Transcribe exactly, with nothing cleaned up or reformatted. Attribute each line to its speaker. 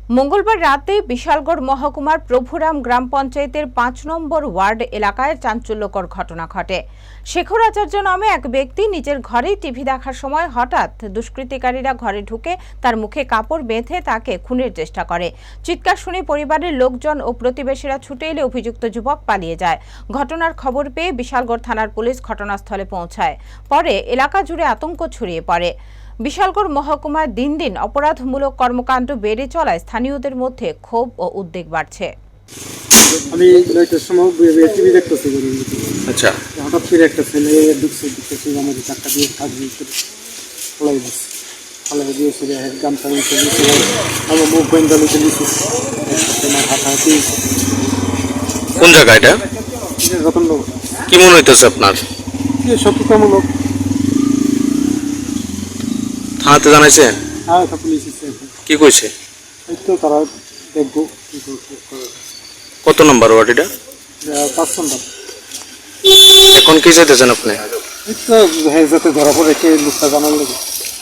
Speaker 1: মঙ্গলবার রাতে বিশালগড় মহকুমার প্রভুরাম গ্রাম পঞ্চায়েতের পাঁচ নম্বর ওয়ার্ড এলাকায় চাঞ্চল্যকর ঘটনা ঘটে। শেখর আচার্য নামে এক ব্যক্তি নিজের ঘরেই টিভি দেখার সময় হঠাৎ দুষ্কৃতিকারীরা ঘরে ঢুকে তার মুখে কাপড় বেঁধে তাকে খুনের চেষ্টা করে। চিৎকার শুনে পরিবারের লোকজন ও প্রতিবেশীরা ছুটে এলে অভিযুক্ত যুবক পালিয়ে যায়। ঘটনার খবর পেয়ে বিশালগড় থানার পুলিশ ঘটনাস্থলে পৌঁছায়। পরে এলাকা জুড়ে আতঙ্ক ছড়িয়ে পড়ে। বিশালগড় মহকুমায় দিন দিন অপরাধমূলক কর্মকাণ্ড বেড়ে চলায় স্থানীয়দের মধ্যে ক্ষোভ ও উদ্বেগ বাড়ছে।
Speaker 2: আমি নয়টার সময় টিভি দেখতেছি,
Speaker 3: আচ্ছা,
Speaker 2: হঠাৎ করে একটা ছেলে ঢুকছে, ঢুকতেছি আমাদের চারটা দিয়ে থাকবে ফলাই দিচ্ছে, ফলাই দিয়েছে গামছা নিচে দিয়েছে, আমার মুখ বেন্দা নিচে দিয়েছে, আমার হাতাহাতি।
Speaker 3: কোন জায়গা এটা?
Speaker 2: রতননগর।
Speaker 3: কি মনে হইতেছে আপনার?
Speaker 2: সত্যতামূলক।
Speaker 3: থানাতে জানাইছেন?
Speaker 2: হ্যাঁ, পুলিশ
Speaker 3: কি কইছে?
Speaker 2: এই তো তারা দেখবো কি করে।
Speaker 3: কত নম্বর ওয়ার্ড এটা?
Speaker 2: পাঁচ নম্বর।
Speaker 3: এখন কি চাইতেছেন আপনি?
Speaker 2: এই তো যাতে ধরা পড়ে কে লোকটা জানার লাগে।